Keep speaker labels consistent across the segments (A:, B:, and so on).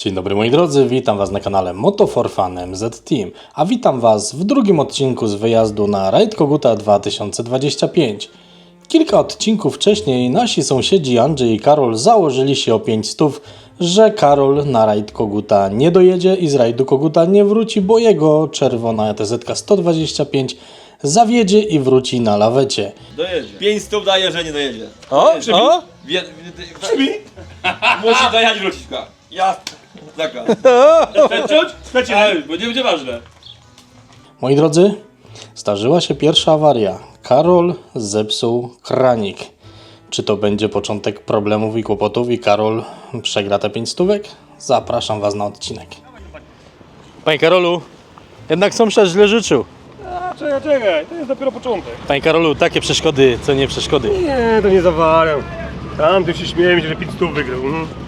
A: Dzień dobry moi drodzy, witam Was na kanale Moto4Fun MZ Team, a witam Was w drugim odcinku z wyjazdu na Raid Koguta 2025. Kilka odcinków wcześniej nasi sąsiedzi Andrzej i Karol założyli się o 500, że Karol na Raid Koguta nie dojedzie i z Rajdu Koguta nie wróci, bo jego czerwona ETZ 125 zawiedzie i wróci na lawecie.
B: Dojedzie. 500 daje, że nie dojedzie.
A: O, o?
B: Przybi? Musi dojechać wróciska. Ja. Taka. Przeczuć? Przecież, bo nie będzie ważne.
A: Moi drodzy, zdarzyła się pierwsza awaria. Karol zepsuł kranik. Czy to będzie początek problemów i kłopotów i Karol przegra te 500? Zapraszam Was na odcinek. Panie Karolu, jednak sąsiad źle życzył.
C: Czekaj, to jest dopiero początek.
A: Panie Karolu, takie przeszkody, co nie przeszkody.
C: Nie, to nie zawariam. Tam tu się śmieję, że 500 wygrał.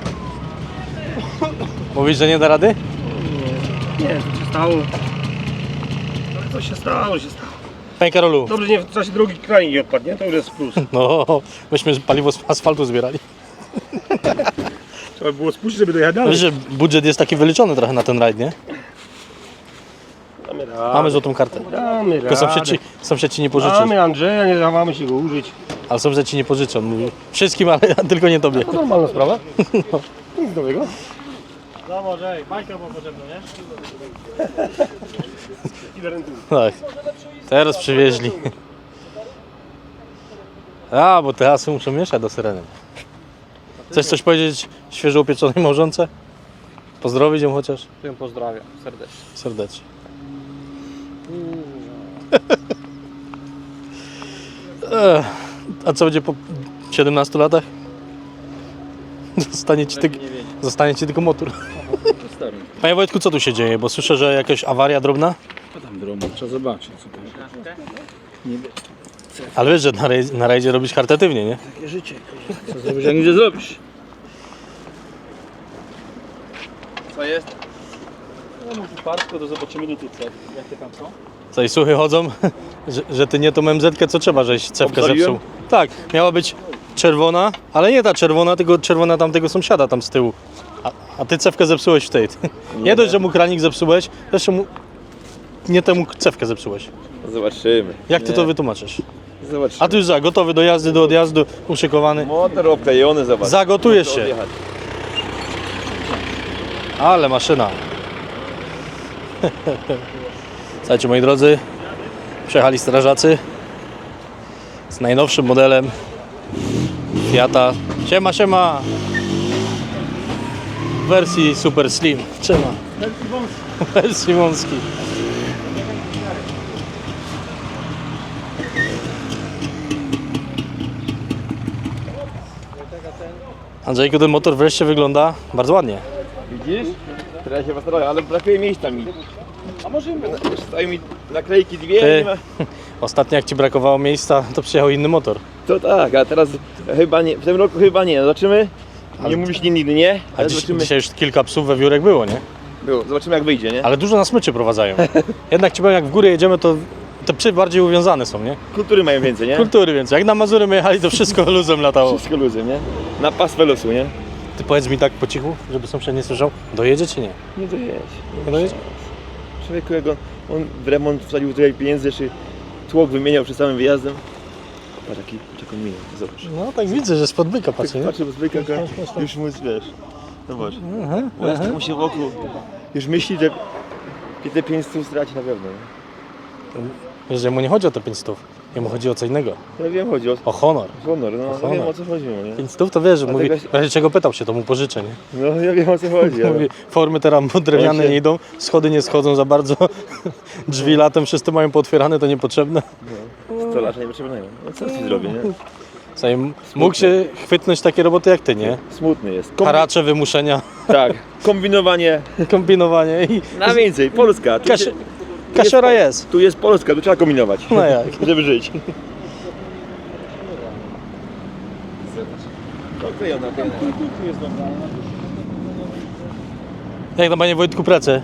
A: Mówisz, że nie da rady?
C: Nie, co się stało? Co się stało,
A: Panie Karolu,
C: Dobrze, nie w czasie drugi kranik nie odpadł, nie? To już jest plus.
A: no, myśmy paliwo z asfaltu zbierali.
C: Trzeba było spuścić, żeby dojechać dalej.
A: Wiesz, że budżet jest taki wyliczony trochę na ten rajd, nie?
C: Damy radę.
A: Mamy złotą kartę.
C: Damy
A: Tylko
C: radę.
A: sąsiad ci nie pożyczy.
C: Mamy Andrzeja, nie dawamy się go użyć.
A: Ale sąsiad ci nie pożyczy, on mówi wszystkim, ale tylko nie tobie.
C: To normalna sprawa. Nic nowego.
D: No może, bajka była potrzebna, nie?
A: Tak, teraz przywieźli. A, bo te asy muszą mieszać do syreny. Chcesz coś powiedzieć świeżo upieczonej małżonce? Pozdrowić ją chociaż?
D: Ją pozdrawiam serdecznie.
A: Serdecznie. A co będzie po 17 latach? Zostanie ci tylko motor. Panie Wojtku, co tu się dzieje? Bo słyszę, że jakaś awaria drobna?
E: Co tam drobno? Trzeba zobaczyć, co tam.
A: Ale wiesz, że na rajdzie robisz charytatywnie, nie?
E: Takie życie. Co zrobisz, jak nic nie zrobisz?
B: Co jest?
D: No mów parsko, to zobaczymy do tyce. Jakie tam są?
A: Co i słuchy chodzą, że ty nie tą MZ-kę, co trzeba, żeś cewkę
B: Obsoliłem?
A: zepsuł. Tak, miała być czerwona, ale nie ta czerwona, tylko czerwona tamtego sąsiada tam z tyłu. A ty cewkę zepsułeś w tej. Nie dość, że mu kranik zepsułeś, jeszcze mu nie temu cewkę zepsułeś.
B: Zobaczymy.
A: Jak ty to wytłumaczysz?
B: Zobaczymy.
A: A ty już gotowy do jazdy, do odjazdu, uszykowany.
B: Motor obklejony, zobacz.
A: Zagotujesz
B: Muszę
A: się.
B: odjechać.
A: Ale maszyna. Słuchajcie, moi drodzy, przyjechali strażacy z najnowszym modelem Fiata. Siema, siema! W wersji Super Slim. Siema. W wersji wąskiej. Andrzejku, ten motor wreszcie wygląda bardzo ładnie.
B: Widzisz? Teraz się postarałem, ale brakuje miejsca mi. A może stają mi naklejki dwie,
A: Ty,
B: nie ma.
A: ostatnio jak ci brakowało miejsca, to przyjechał inny motor.
B: To tak, a teraz chyba nie, w tym roku chyba nie. Zobaczymy. Nie mówisz nigdy, nie?
A: A
B: Ale zobaczymy.
A: dzisiaj już kilka psów we wiórek było, nie?
B: Było. Zobaczymy jak wyjdzie, nie?
A: Ale dużo na smyczy prowadzają. Jednak ci powiem, jak w górę jedziemy, to te psy bardziej uwiązane są, nie?
B: Kultury mają więcej, nie?
A: Kultury, więc jak na Mazury my jechali, to wszystko luzem latało.
B: Wszystko luzem, nie? Na pastwę losu, nie?
A: Ty powiedz mi tak po cichu, żeby sąsiad nie słyszał, dojedzie czy nie?
B: Nie dojedź.
A: Nie dojedzie?
B: Człowieku, jak on w remont wsadził tyle pieniędzy, czy tłok wymieniał przed samym wyjazdem. Patrz, taką minę, zobacz.
A: No tak widzę, że spod byka patrzy, nie?
B: Patrzę, bo zbyka już mu, wiesz, zobacz. Bo jeszcze mu się wokół, już myśli, że te 500 straci na pewno.
A: Wiesz, że mu nie chodzi o te 500, jemu chodzi o co innego.
B: Ja wiem, chodzi o
A: O honor.
B: honor, no
A: honor.
B: wiem o co chodzi, nie?
A: 500 to wiesz, że mówi,
B: jakaś-
A: w razie czego pytał się, to mu pożyczę, nie?
B: No ja wiem o co chodzi, ale...
A: Mówi, formy teraz drewniane
B: On się-
A: nie idą, schody nie schodzą za bardzo, drzwi latem wszyscy mają pootwierane, to niepotrzebne.
B: Stolarza nie potrzebują. No co ci zrobię, nie?
A: Słuchaj, mógł się chwytnąć takie roboty jak ty, nie?
B: Smutny jest.
A: Haracze, wymuszenia,
B: Tak, kombinowanie
A: kombinowanie i
B: na więcej, Polska. Tu,
A: Kasia- kasiora jest.
B: tu jest Polska, tu trzeba kombinować,
A: No jak?
B: żeby żyć. Oklejona,
A: Jak tam, panie Wojtku, pracę?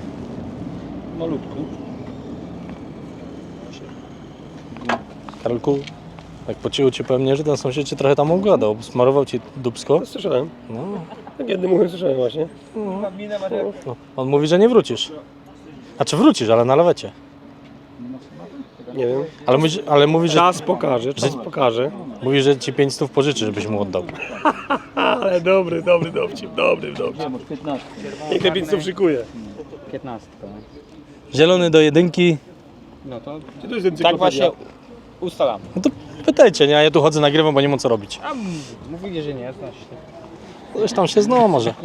D: Malutku.
A: Karolku? Tak po cichu ci powiem, nie, że ten sąsiad cię trochę tam ogładał. Smarował ci dupsko.
C: Słyszałem.
A: No.
C: Tak jednym uchem słyszałem właśnie.
A: No. On mówi, że nie wrócisz. A czy wrócisz, ale na lewecie.
C: Nie wiem.
A: Ale mówi, że,
C: Czas pokaże, czas pokaże.
A: mówi, że ci 500 pożyczy, żebyś mu oddał.
C: Ale dobry dowcip, dobry.
D: Masz 15.
C: Niech te 500 szykuje.
D: 15.
A: Zielony do jedynki.
D: No to
C: Czy to jest ten
D: tak właśnie ustalam.
A: No to pytajcie, nie? A ja tu chodzę, nagrywam, bo nie mam co robić.
D: A mówili, że nie, znasz się.
A: Ktoś tam się zna może.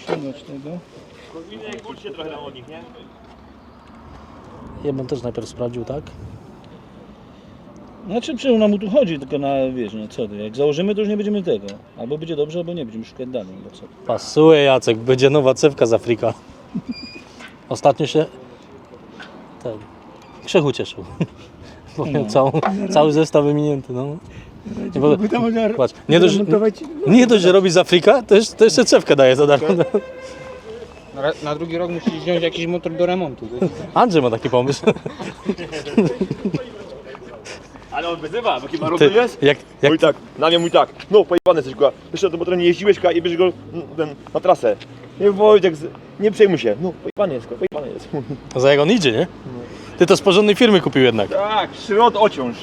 A: Ja bym też najpierw sprawdził, tak?
E: Znaczy przecież nam tu chodzi, tylko na, wiesz, no co ty, jak założymy, to już nie będziemy tego. Albo będzie dobrze, albo nie, będziemy szukać dalej, bo co ty.
A: Pasuje, Jacek, będzie nowa cewka z Afryka. Ostatnio się Krzechu cieszył. Bo miał cały zestaw wymienięty, no. Patrz, nie dość, że robi z Afryka, to jeszcze cewkę daje za darmo.
D: Na drugi rok musisz wziąć jakiś motor do remontu.
A: Andrzej ma taki pomysł.
B: Ale on wyzywa, bo chyba
A: Ty,
B: rozumiesz?
A: jak,
B: Mój tak, na mnie mój tak. No pojebany jesteś, kurwa. Jeszcze do motora nie jeździłeś, kurwa, i bierzesz go na trasę. Nie Wojtek, nie przejmuj się. No pojebany jest, kurwa, pojebany jest.
A: za jak on idzie, nie? Ty to z porządnej firmy kupił jednak.
B: Tak, szrot ociąż.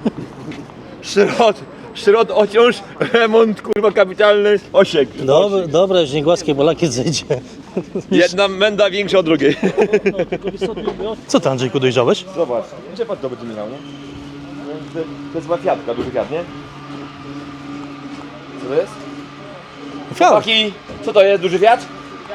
B: Szrot ociąż, remont, kurwa, kapitalny, osiek.
A: Dobra, już nie głaskaj, bo lakiet zejdzie.
B: Jedna menda większa od drugiej.
A: Co ty, Andrzejku, dojrzałeś?
B: Zobacz, gdzie pan to będzie miał, nie? To jest chyba Fiatka, duży Fiat, nie? Co to jest?
A: Fiat.
B: Chłopaki, co to jest, duży Fiat?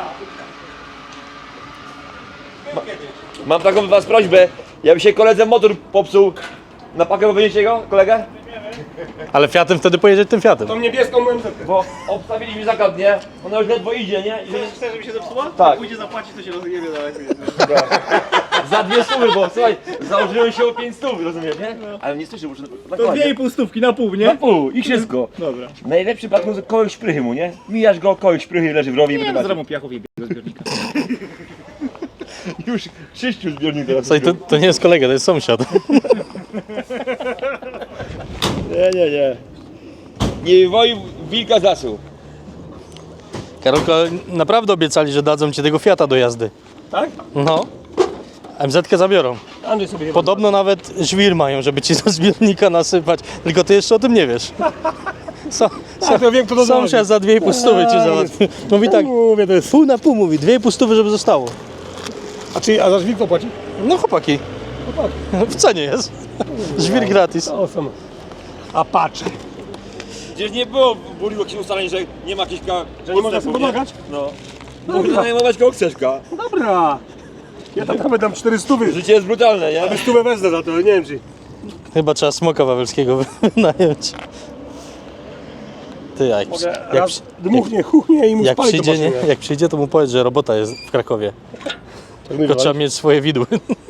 B: Mam taką do was prośbę, jakby się koledze motor popsuł, na pakę wynieście go, kolegę?
A: Ale Fiatem wtedy pojedzie tym Fiatem.
C: Tą niebieską MZ.
B: Bo obstawiliśmy zakład, nie? Ona już ledwo idzie, nie? I
C: Chcesz, żeby się zepsuła?
B: Tak.
C: Pójdzie zapłacić, to się rozjebie daleko.
B: za 2 stówy, bo słuchaj, założyłem się o 5 stów, rozumiesz, nie? Ale nie słyszę, muszę
C: To
B: nakładać.
C: 2,5 stówki na pół,
B: Na
C: nie?
B: pół i wszystko.
C: Dobra.
B: Najlepszy przypadek to kogoś szprychy mu, nie? Mijasz go, kogoś szprychy leży w rowie i
C: Nie,
B: będę
C: zrobią piachów i do zbiornika.
B: już 6 zbiornik teraz.
A: Słuchaj, to nie jest kolega, to jest sąsiad.
B: Nie. Nie woi wilka zasuł.
A: Karolko, naprawdę obiecali, że dadzą ci tego Fiata do jazdy.
C: Tak?
A: No. MZ-kę zabiorą.
C: Andrzej sobie chyba.
A: Podobno nawet żwir mają, żeby ci do zbiornika nasypać. Tylko ty jeszcze o tym nie wiesz.
C: to wiem, kto to
A: Sąsiad za 2,5 stówy ci załatwi. Mówi tak,
C: Mówię, to jest.
A: pół na pół mówi, 2,5 stówy, żeby zostało.
C: A za żwir kto płaci?
A: No chłopaki, w cenie jest. Żwir gratis.
C: O, sam. A patrz.
B: Gdzieś nie było w Buliło jakichś ustaleń, że nie ma jakichś
C: Że nie można sobie pomagać?
B: No. Można najmować kogo chcesz,
C: Dobra. Ja tam nawet dam 400.
B: Życie jest brutalne, nie?
C: 100 wezmę za to, nie wiem czy.
A: Chyba trzeba Smoka Wawelskiego wynająć. Ty, jak,
C: Raz dmuchnie, chuchnie i mu
A: jak,
C: spali
A: przyjdzie,
C: to
A: nie, jak przyjdzie, to mu powiedz, że robota jest w Krakowie. Tylko trzeba mieć swoje widły.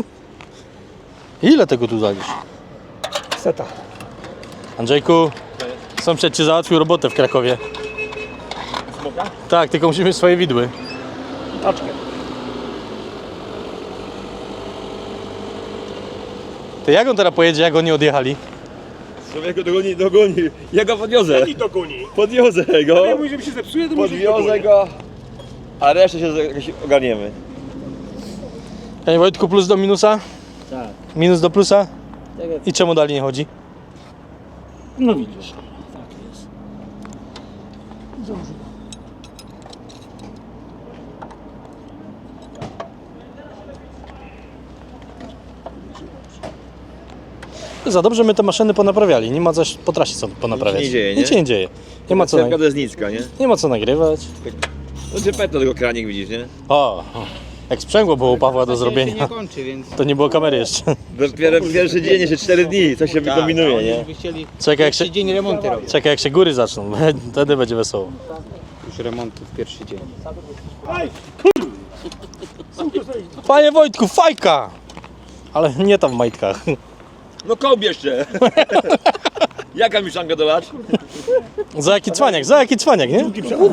A: Ile tego tu zalisz?
C: Seta.
A: Andrzejku, sąsiad ci załatwił robotę w Krakowie.
B: Smoka?
A: Tak, tylko musimy mieć swoje widły.
C: Taczkę.
A: Ty, jak on teraz pojedzie, jak oni odjechali?
B: Człowieku dogoni. Ja go podwiozę.
C: I to goni.
B: Podwiozę go.
C: Ja mówię, że mi się zepsuje, to może
B: Podwiozę go. A resztę się jakoś ogarniemy.
A: Panie Wojtku, plus do minusa?
E: Tak.
A: Minus do plusa? I czemu dalej nie chodzi?
E: No widzisz, tak jest.
A: Za dobrze my te maszyny ponaprawiali, nie ma coś po trasie co ponaprawiać.
B: Nic się nie dzieje, nie?
A: Nic się nie dzieje. Nie ma co,
B: to jest nicka, nie?
A: nie ma co nagrywać.
B: No czy petno tego kranik widzisz, nie?
A: O, jak sprzęgło było u Pawła do
D: się
A: zrobienia,
D: nie kończy, więc...
A: to nie było kamery jeszcze.
B: Dopiero pierwszy dzień, jeszcze 4 dni, coś się wykombinuje,
D: oni
B: nie?
D: by chcieli
A: Czekaj jak, się,
D: pierwszy dzień remonty robić.
A: czekaj jak się góry zaczną, wtedy będzie wesoło.
D: Już remonty w pierwszy dzień.
A: Panie Wojtku, fajka! Ale nie tam w majtkach.
B: No kołb jeszcze! Jaka mieszanka dolać?
A: Za jaki cwaniak, nie?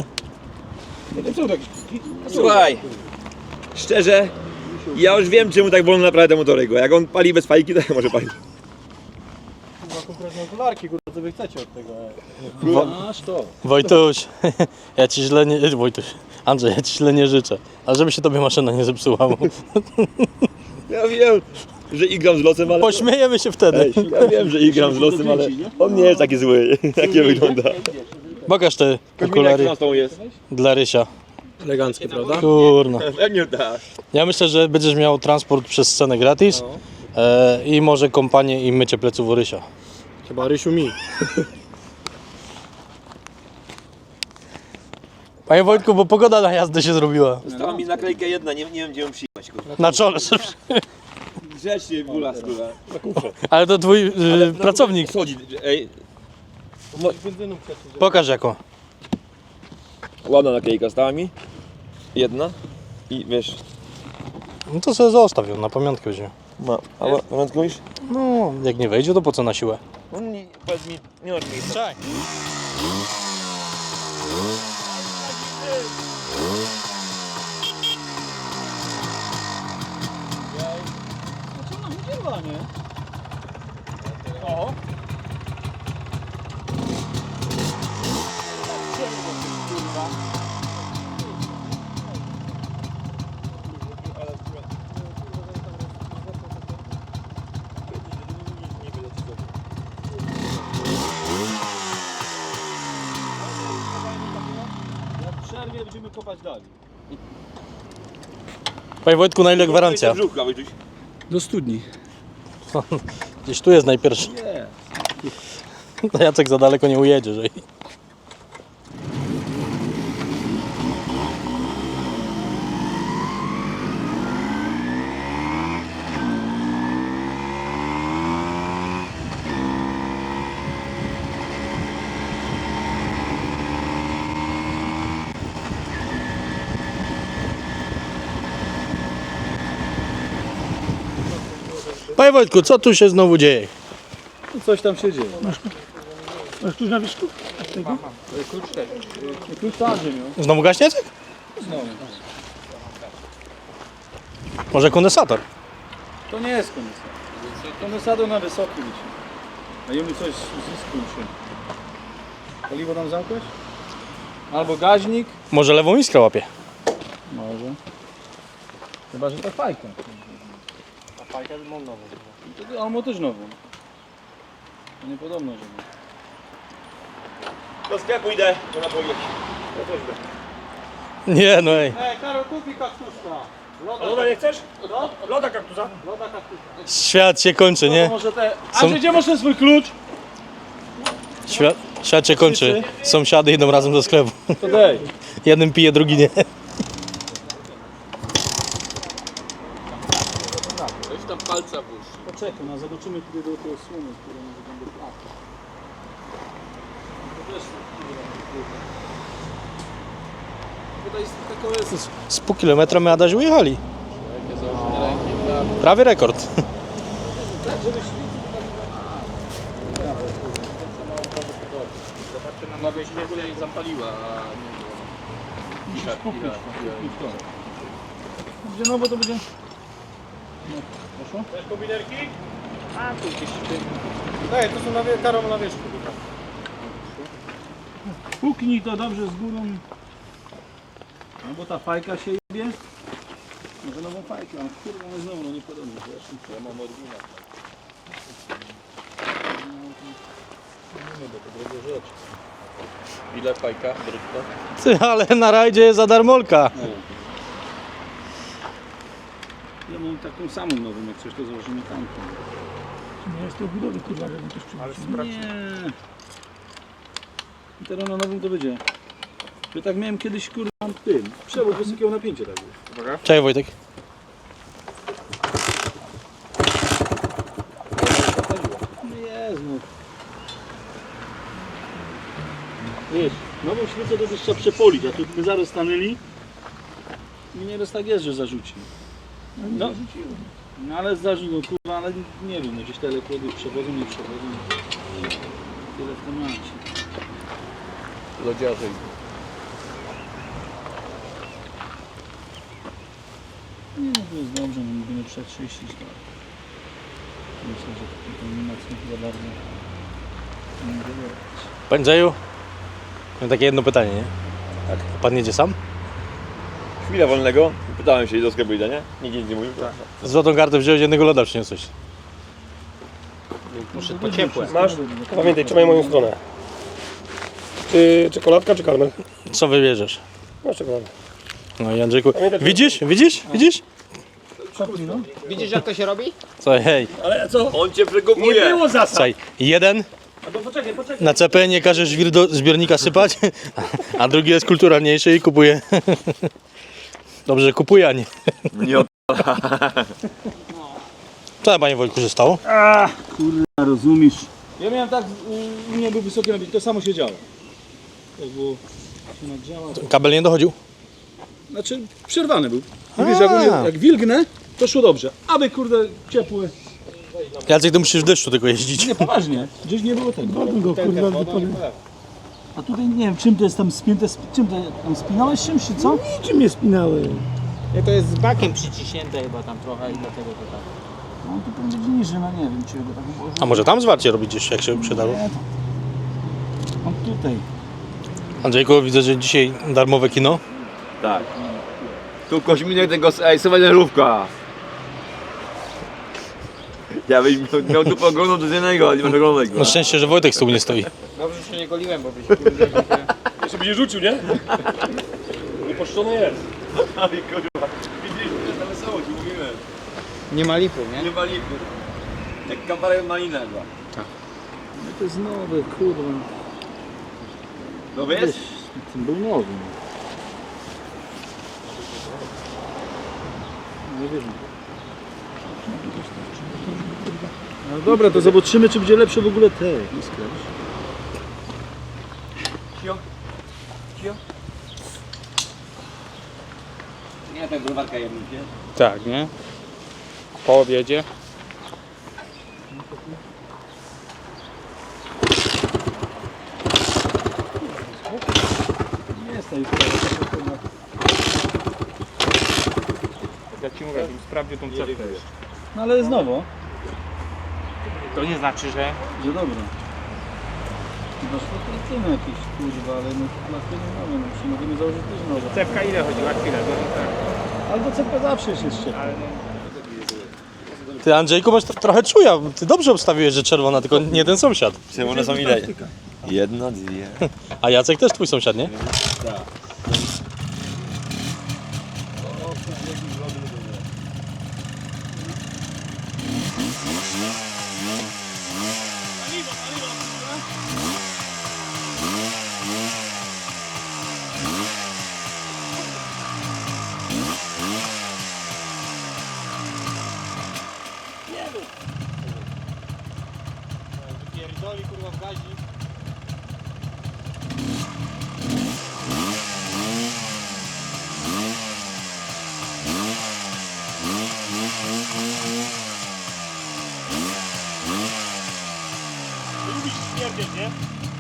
B: Słuchaj, szczerze, ja już wiem czemu tak wolno naprawia te motory go. Jak on pali bez fajki, to jak może palić.
D: konkretne okularki, kurwa, co wy chcecie od tego?
E: Masz to.
A: Wojtuś, ja ci źle nie... Wojtuś, Andrzej, ja ci źle nie życzę. Ale żeby się tobie maszyna nie zepsuła. Bo...
B: Ja wiem, że igram z losem, ale...
A: Pośmiejemy się wtedy.
B: Ej, ja wiem, że igram z losem, ale on nie jest taki zły, jak nie wygląda.
A: Pokaż te
B: Jak
A: okulary
B: z tą jest?
A: dla Rysia.
C: Eleganckie, prawda?
A: Kurna.
B: Jak nie dasz?
A: Ja myślę, że będziesz miał transport przez scenę gratis i może kompanię i mycie pleców u Rysia.
C: Chyba Rysiu mi.
A: Panie Wojtku, bo pogoda na jazdę się zrobiła.
B: Została mi naklejka jedna, nie wiem gdzie ją przyjechać, kurwa.
A: Na czole.
B: Grzecznie, gula, skóra.
A: Ale to twój pracownik.
B: Schodzi, ej.
A: Pokaż jaką.
B: Ładna naklejka stała mi. Jedna. I wiesz...
A: No to sobie zostaw ją, na pamiątkę weźmie.
B: Ma, a pamiątkę już?
A: No, jak nie wejdzie, to po co na siłę?
B: No nie, powiedz mi, nie masz miejsca.
A: Czekaj.
E: Co nam udziela, nie?
D: O!
E: Jak w przerwie będziemy kopać dalej.
A: Panie Wojtku, na ile gwarancja?
B: Brzucha, Wojtuś.
C: Do studni.
A: Gdzieś tu jest najpierwszy.
E: Nie.
A: No Jacek za daleko nie ujedzie, że... Panie Wojtku, co tu się znowu dzieje?
E: No coś tam się dzieje.
C: Masz klucz na wierzchu?
E: Klucz to Andrzej miał.
A: Znowu gaśnie Jacek?
E: Znowu.
A: Może kondensator?
E: To nie jest kondensator. Kondensator na wysokim liczy. A jemu coś zyskuł się. Paliwo tam zamknąć? Albo gaźnik?
A: Może lewą iskrę łapie?
E: Może. Chyba, że to fajka.
D: A fajka mam nową.
E: To, on ma też nową. To niepodobno, że ma.
B: Do sklepu idę, to na powieki.
A: Nie, no ej.
D: Ej, Karol, kupi kaktuska.
B: Loda nie chcesz?
D: Loda kaktusa? Loda kaktusa.
A: Świat się kończy, nie?
E: Może te...
A: Są-
E: Andrzej, gdzie masz ten swój klucz?
A: Świat się kończy. Sąsiady idą razem do sklepu.
E: To daj.
A: Jeden pije, drugi nie.
E: Poczekaj, no zobaczymy tutaj do tej słomy, które może będą płatne. Tutaj jest taka jest.
A: Z pół kilometra my Adaś ujechali. Prawie rekord.
D: Mogę się tutaj zapaliła, a
E: Musisz kupić to. Będzie no, bo to będzie... No, poszło?
D: Chcesz kombinerki? A, tu gdzieś. Ej, to są Karol na wierzchu.
E: Puknij to dobrze z górą. No bo ta fajka się jebie. Może nową fajkę, a kurwa my znowu, no nie podobnie, wiesz? Ja mam oryginał.
D: Ile fajka brudka?
A: Ty, ale na rajdzie jest za darmolka.
E: Ja mam taką samą nową, jak coś to założymy tamtą.
C: Nie jest to budowy, kurwa, żeby też przyjść.
E: Nie. I teraz na nowym to będzie. Ja tak miałem kiedyś kurwa tym. Przewód wysokiego napięcia tak było.
A: Cześć Wojtek.
E: No jest no. Wiesz, nową świecę to też trzeba przepolić, a tu my zaraz stanęli i nieraz tak jest, że zarzuci. No, no ale zarzucił, no kurwa, ale nie wiem, no gdzieś te elektrody przewodzą, nie przewodzą. Tyle w temacie.
D: Lodziarze.
E: Nie, no to jest dobrze, no będziemy przetrzyścić to. Myślę, że to nie ma co chyba bardzo.
A: Panie Andrzeju, mam takie jedno pytanie, nie?
B: Tak.
A: Pan jedzie sam?
B: Chwilę wolnego, pytałem się do sklepu idę, nie? Nikt nic nie mówił.
A: Złotą kartę wziąłeś, jednego loda przyniosłeś.
D: Muszę po ciepłe.
C: Masz? Pamiętaj, trzymaj moją stronę. Czy czekoladka, czy karmel?
A: Co wybierzesz?
C: Masz czekoladę.
A: No i Andrzejku,
C: Pamiętaj,
A: widzisz?
D: Widzisz jak to się robi?
A: Słuchaj, hej,
C: Ale co?
B: On cię
C: Nie
B: przekupuje.
C: było zasad.
A: słuchaj, jeden
C: Albo poczekaj.
A: na CP nie każe żwir do zbiornika sypać, a drugi jest kulturalniejszy i kupuje. Dobrze, że kupuje, a nie.
B: Nie
A: Co tam, panie Wojtku, się stało?
E: A rozumiesz? Ja miałem tak, u mnie był wysoki napięcie, to samo się działo. Jak było się nagrzało.
A: Kabel nie dochodził?
E: Znaczy przerwany był. Wiesz, jak wilgnę, to szło dobrze. Aby kurde ciepły.
A: Jacek, ty musisz w deszczu tylko jeździć.
E: Nie, poważnie. Gdzieś nie było tego. Go, kurwa, a tutaj nie wiem, czym to jest tam spięte, czym to tam spinałeś czymś, czy co?
C: Niczym nie spinałem.
D: Nie, to jest z bakiem przyciśnięte chyba tam trochę i dlatego to tak.
E: No tu powinno być niżej, no nie wiem, czy go tak było.
A: A może tam zwarcie robić gdzieś, jak się przydało?
E: Nie, to... On tutaj.
A: Andrzejku, widzę, że dzisiaj darmowe kino.
B: Tak. Tu koźminek tego suwenirówka. Ja byś miał tu oglądał do jednego, ale nie masz oglądać
A: Na szczęście, że Wojtek z tyłu nie stoi.
D: Dobrze, że się nie goliłem, bo byś kurde,
C: Jeszcze będzie rzucił, nie? Wypuszczony jest.
B: Aj kurwa. Widzisz, to jest na wesoło, ci mówiłem.
D: nie ma lipu, nie?
B: Nie ma lipy. Jak kabarek malina chyba.
E: No to jest nowy, kurwa.
B: No wiesz?
E: Ten był nowy. Nie wiem. No dobra, to zobaczymy, czy będzie lepsze w ogóle te.
B: Cio. Cio. Nie, tak browarka jednicie.
D: Tak, nie? Po obiedzie.
E: Nie jest tej
D: Jak ci mówię, żebym sprawdził tą cewkę.
E: No ale jest nowo.
D: To nie znaczy, że...
E: Że dobra. Chyba szlachetne jakieś kurwa, ale no na chwilę nowe, no czy możemy założyć też nowe.
D: Cewka ile chodziła? Chwilę, to tak.
E: Albo cepka zawsze jest jeszcze.
D: Ale no...
A: Ty, Andrzejku, masz trochę czuja. Ty dobrze obstawiłeś, że czerwona, tylko nie ten sąsiad.
B: Czemu one są ile? Jedna, dwie.
A: A Jacek też twój sąsiad, nie?
D: Pierdoli kurwa w gazi.
C: Lubisz śmierdzieć, nie?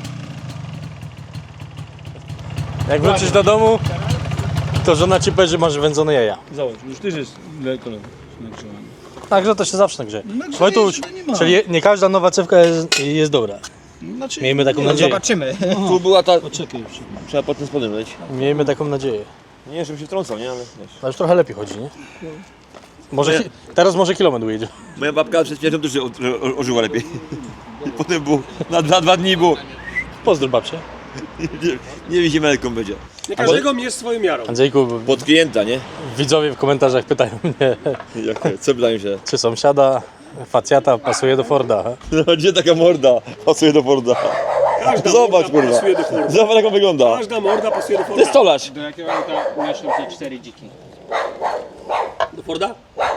A: Jak wrócisz do domu, to żona ci powie, że masz wędzone jaja.
E: Załóż, już też jest daleko nagrzewany.
A: Także to się zawsze nagrzeje.
E: Nagrzeje
A: Wojtuś,
E: się, to nie ma.
A: czyli nie każda nowa cewka jest dobra.
E: Znaczy,
A: Miejmy taką nadzieję.
D: Zobaczymy.
B: Tu była ta...
E: Poczekaj jeszcze.
B: Trzeba pod tym spodem leć.
A: Miejmy taką nadzieję.
B: Nie, żebym się wtrącał, nie? Ale wiesz.
A: No już trochę lepiej chodzi, nie? Może, teraz może kilometr ujedzie.
B: Moja babka przed śmiercią też ożyła lepiej. I potem było, na 2 dni było.
A: Pozdrów babcię.
B: Nie wiem, melką będzie.
C: Nie każdego jest swoją miarą.
A: Andrzejku,
B: Pod klienta, nie?
A: widzowie w komentarzach pytają mnie,
B: Co pytają się?
A: czy sąsiada facjata pasuje do Forda.
B: No, gdzie taka morda pasuje do Forda?
C: Każda
B: Zobacz,
C: morda
B: kurwa.
C: pasuje do Forda.
B: Zobacz, jak on wygląda.
C: Każda morda pasuje do
B: To
C: Forda.
B: jest stolarz.
D: Do jakiego auta mieszczą te 4 dziki?
C: Do Forda?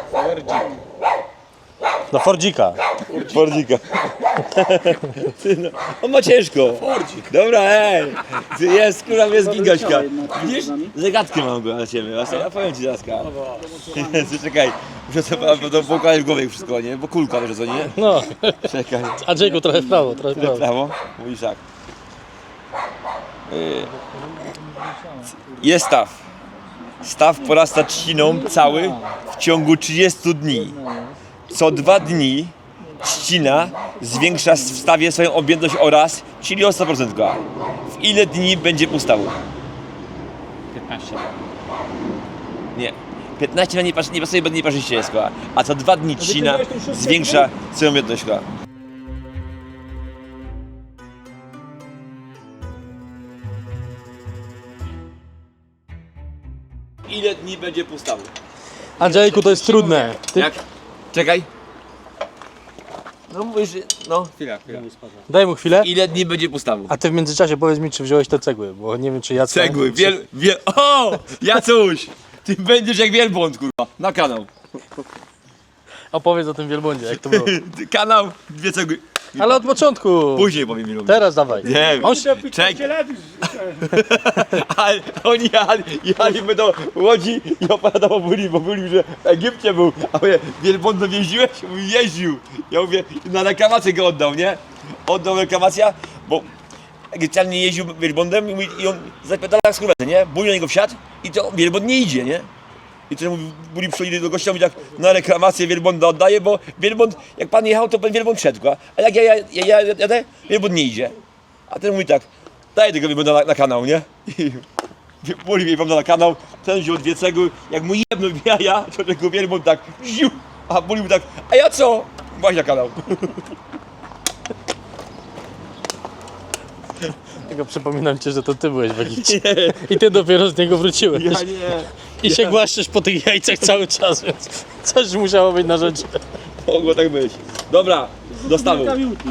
A: Do Fordzika.
B: Fordzika. Ty, no, on ma ciężko.
C: Fordzik.
B: Dobra, ej. Ty jest, kurwa, jest gigaśka. Widzisz? Zagadkę mam go na ciebie. Ja powiem ci zaraz. Czekaj. Muszę sobie to poukładać w głowie wszystko, nie? Bo kulka, wiesz co, nie?
A: No,
B: Czekaj.
A: Andrzejku, trochę w prawo, trochę w prawo.
B: Prawo? Mówisz tak. Jest staw. Staw porasta trzciną cały w ciągu 30 dni. Co 2 dni trzcina zwiększa w stawie swoją objętość oraz, czyli o 100%. W ile dni będzie pustawu?
D: 15.
B: Nie. 15 na nie pasuje, bo nie parzyście jest, koła. A co 2 dni trzcina zwiększa swoją objętość, koła. Ile dni będzie pustawu?
A: Andrzejku, to jest trudne.
B: Jak? Czekaj. No mówisz, no.
D: Chwila.
A: Daj mu chwilę.
B: Ile dni będzie pustawu?
A: A ty w międzyczasie powiedz mi, czy wziąłeś te cegły, bo nie wiem, czy ja...
B: Cegły, O! Jacuś! Ty będziesz jak wielbłąd, kurwa. Na kanał.
A: Opowiedz o tym wielbłądzie, jak to było.
B: Kanał, 2 cegły.
A: Ale od początku.
B: Później powiem ilu.
A: Teraz dawaj.
B: Nie,
A: On się...
B: czek. Ale oni jechaliby do Łodzi i opowiadał o Buli, bo mówił, że w Egipcie był. A mówię, wielbłądem jeździłeś? Mówi, jeździł. Ja mówię, na reklamację go oddał, nie? Oddał reklamacja, bo Egipcjan nie jeździł wielbłądem i on zapytał jak skurwety, nie? Buli na niego wsiadł i to wielbłąd nie idzie, nie? I wtedy mówi, Buli przychodzi do gościa i mówi tak, na reklamację wielbłąda oddaję, bo wielbłąd, jak pan jechał, to pan wielbłąd szedł, a jak ja jadę, wielbłąd nie idzie. A ten mówi tak, daj tego wielbłąda na kanał, nie? I Buli wielbłąda na kanał, ten wziął 2 cegły, jak mu jedno w jaja, to tego wielbłąd tak, ziu, a Buli mówi tak, a ja co? Właśnie na kanał.
A: Tylko przypominam ci, że to ty byłeś w Egipcie. I ty dopiero z niego wróciłeś.
B: Ja nie.
A: I się głaszczysz po tych jajcach cały czas, więc coś musiało być na rzeczy.
B: Mogło tak być. Dobra, dostawy.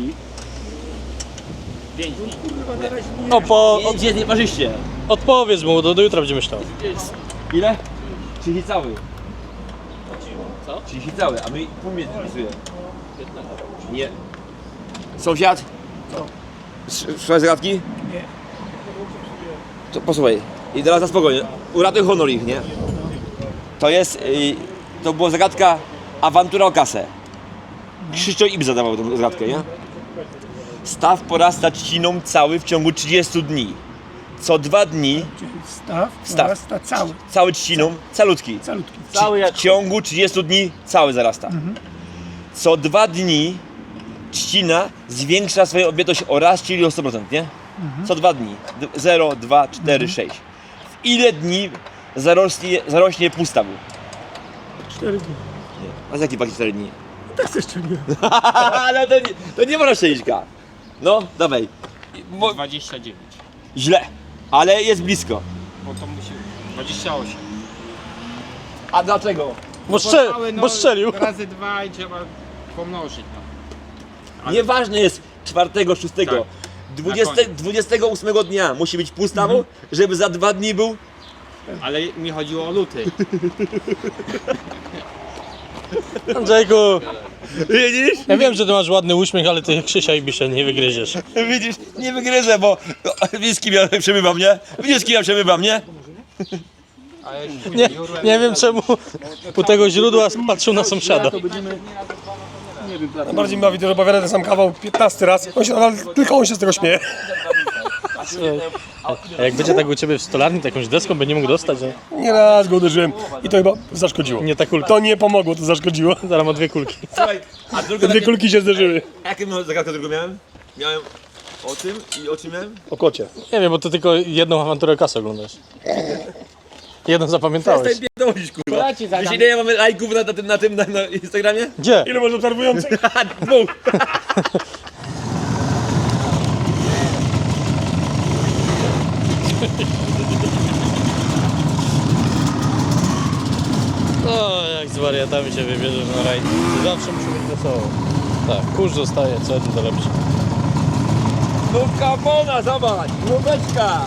B: Gdzie nie parzyście?
A: Odpowiedz mu, do jutra będzie myślał.
B: Ile? 30 cały. Co? 30 cały, a my pół mnie wpisuje. Nie. Sąsiad? Słuchaj zagadki? Nie. To posłuchaj. I teraz na spokojnie. Uratuj honor ich, nie? To jest, to była zagadka awantura o kasę. Krzysztof Ib zadawał tę zagadkę, nie? Staw porasta trzciną cały w ciągu 30 dni. Co 2 dni
C: Staw porasta cały.
B: cały trzciną, calutki.
C: Cały
B: W ciągu 30 dni cały zarasta. Co 2 dni trzcina zwiększa swoją objętość o raz, czyli o 100%, nie? Co 2 dni. 0, 2, 4, 6. W ile dni zarośnie pustawu?
C: 4 dni.
B: A z jaki paki 4 dni?
C: Tak chcesz strzeliłem.
B: Ale to nie można szczęśćka. No, dawaj.
D: 29.
B: Źle, ale jest blisko.
D: Bo to musi... 28.
B: A dlaczego?
A: Bo strzelił.
D: Razy 2 i trzeba pomnożyć. No.
B: Nieważne jest 4, 6.
D: Tak.
B: 28 dnia musi być pustawą, żeby za 2 dni był.
D: Ale mi chodziło o luty.
A: Andrzejku,
B: Widzisz?
A: ja wiem, że ty masz ładny uśmiech, ale ty Krzysia i Bisze nie wygryziesz.
B: Widzisz? Nie wygryzę, bo widzisz z kim ja przemywam, nie? Widzisz z kim ja przemywam, nie?
D: Ale
A: Nie wiem czemu u tego źródła patrzył na sąsiada.
C: Bardziej mi bawi to, że opowiada ten sam kawał 15 raz. Tylko on się z tego śmieje.
A: A jak będzie tak u ciebie w stolarni, to jakąś deską by nie mógł dostać, że
C: Nie raz go uderzyłem i to chyba zaszkodziło.
A: nie ta kulka.
C: To nie pomogło, to zaszkodziło.
A: Zaraz ma 2 kulki.
B: Słuchaj, a druga
C: 2 kulki się zderzyły.
B: jaką zagadkę drugą miałem? Miałem o tym i o czym miałem?
C: O kocie.
A: Nie wiem, bo ty tylko jedną awanturę kasy oglądasz. Jedną zapamiętałeś.
B: Przestań pierdolić, kurwa. Wiesz ile ja mamy lajków na Instagramie?
A: Gdzie?
C: Ile masz obserwujących?
B: 2.
A: O, jak z wariatami się wybierzesz na rajd. Zawsze musi być wesoło. Tak, kurz zostaje, co jeden to lepszy.
B: Nówka bona, zobacz! Nóweczka!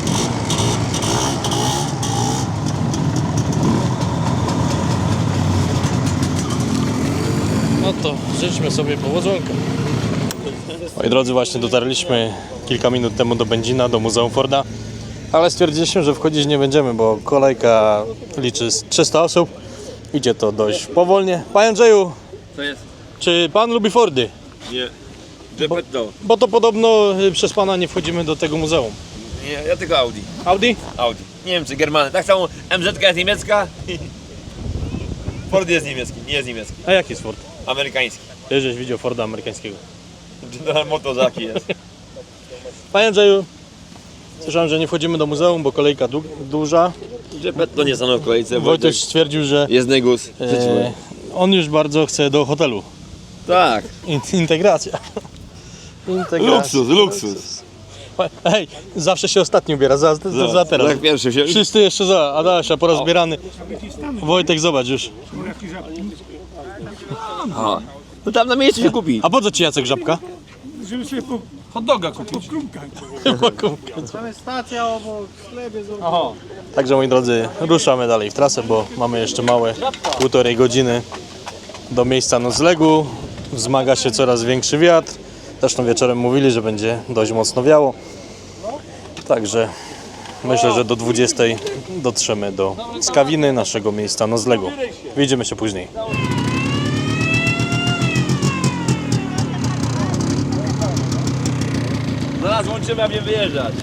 A: No to życzmy sobie powodzonka. Moi drodzy, właśnie dotarliśmy kilka minut temu do Będzina, do Muzeum Forda, ale stwierdziliśmy, że wchodzić nie będziemy, bo kolejka liczy z 300 osób. Idzie to dość powolnie. Panie Andrzeju,
B: Co jest?
A: czy pan lubi Fordy?
B: Nie. Geppetto.
A: Bo to podobno przez pana nie wchodzimy do tego muzeum.
B: Nie, ja tylko Audi.
A: Audi?
B: Audi. Niemcy, Germany. Tak samo MZ jest niemiecka. Ford jest niemiecki, nie jest niemiecki.
A: A jaki jest Ford?
B: Amerykański.
A: Ty żeś widział Forda amerykańskiego.
B: General Motors jaki jest.
A: Panie Andrzeju, słyszałem, że nie wchodzimy do muzeum, bo kolejka duża.
B: Że to nie stanął w kolejce,
A: Wojtek stwierdził, że
B: jest negus.
A: on już bardzo chce do hotelu.
B: Tak.
A: Integracja.
B: Luksus.
A: Hej, zawsze się ostatni ubiera, za teraz.
B: Tak pierwszy się...
A: Wszyscy jeszcze za, Adasia porozbierany. Wojtek, zobacz już.
B: A. No tam na miejscu się kupi.
A: A po co ci Jacek Żabka?
C: Żeby sobie hot doga kupić.
D: Tam jest stacja obok, sklep jest obok.
A: Także moi drodzy, ruszamy dalej w trasę, bo mamy jeszcze małe 1,5 godziny do miejsca noclegu. Wzmaga się coraz większy wiatr. Zresztą wieczorem mówili, że będzie dość mocno wiało. Także myślę, że do 20 dotrzemy do Skawiny, naszego miejsca noclegu. Widzimy się później.
B: Zaraz łączymy, a mnie wyjeżdżać.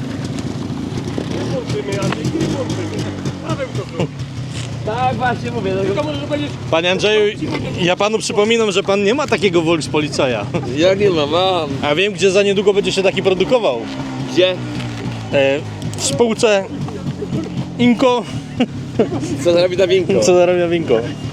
B: Tak właśnie mówię.
A: Panie Andrzeju, ja panu przypominam, że pan nie ma takiego Volkspolicaja.
B: Jak nie mam.
A: A wiem, gdzie za niedługo będzie się taki produkował.
B: Gdzie?
A: W spółce Inco,
B: Co zrobi ta winko?
A: co zarabia Winko.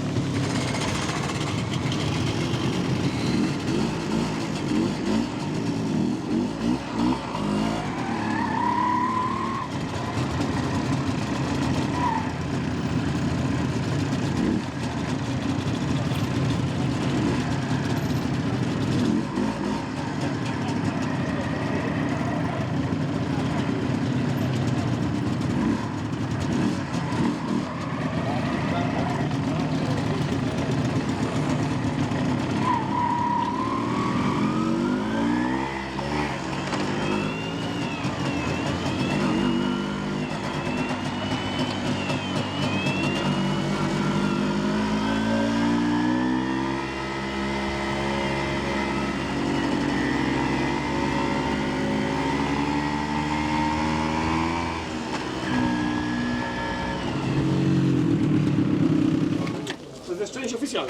C: To jest część oficjalna.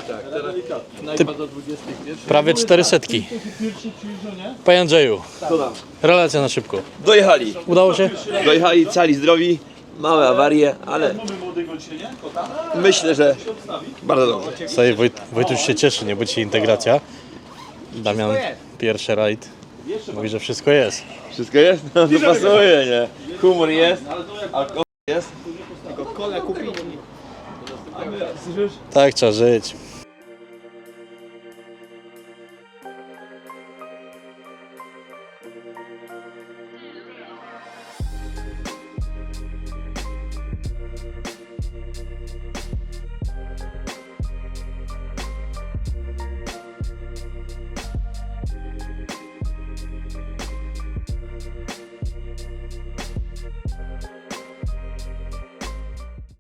A: Prawie 400. Panie Andrzeju, relacja na szybko.
B: Dojechali.
A: Udało się?
B: Dojechali cali zdrowi. Małe awarie, ale myślę, że bardzo dobrze.
A: Sobie Wojtuś się cieszy, nie? Bo dzisiaj integracja. Damian, pierwszy rajd. Mówi, że wszystko jest.
B: Wszystko jest? No to pasuje, nie? Humor jest, alkohol jest.
A: Tak, trzeba żyć.